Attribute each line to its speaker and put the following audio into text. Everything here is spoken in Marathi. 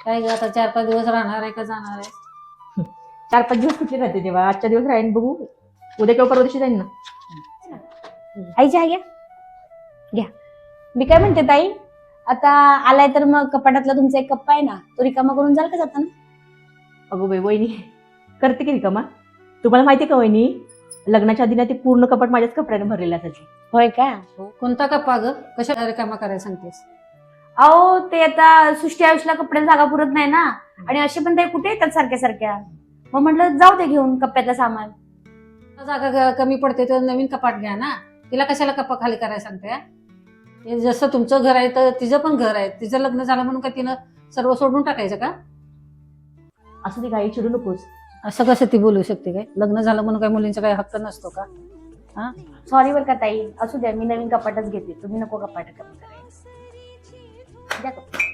Speaker 1: काय ग आता 4-5 दिवस राहणार आहे का जाणार आहे?
Speaker 2: 4-5 दिवस कुठे राहते तेव्हा? आजच्या दिवस राहीन, बघू उद्या किंवा परवा दिवशी जाईन ना.
Speaker 3: आई चहा घ्या घ्या. मी काय म्हणते ताई, आता आलाय तर मग कपाटातला तुमचा एक कप्पा आहे ना, तो रिकामा करून जाल का जाताना?
Speaker 2: अगो बाई वहिनी करते की रिकामा. तुम्हाला माहिती का वहिनी, लग्नाच्या आधी ना ते पूर्ण कपाट माझ्याच कपड्याने भरलेलं असायचे.
Speaker 3: होय का?
Speaker 1: कोणता कप्पा ग? कशा रिकामा करायला सांगतेस?
Speaker 3: अहो ते आता सृष्टी आयुषला कपड्याला जागा पुरत नाही ना, आणि असे पण ते कुठे येतात सारख्या सारख्या. मग म्हटलं जाऊ दे घेऊन कप्प्यातलं सामान.
Speaker 1: जागा कमी पडते तर नवीन कपाट घ्या ना. तिला कशाला कप्पा खाली करायला सांगते? हे जसं तुमचं घर आहे तर तिचं पण घर आहे. तिचं लग्न झालं म्हणून का तिनं सर्व सोडून टाकायचं का?
Speaker 2: असं ती काही चिडू नकोस.
Speaker 1: असं कसं ती बोलू शकते? काय लग्न झालं म्हणून काय मुलींचा काही हक्क नसतो का? हा,
Speaker 3: सॉरी बरं का ताई, असू द्या, मी नवीन कपाटच घेते, तुम्ही नको कपाट कमी करायला. द्या कपाट.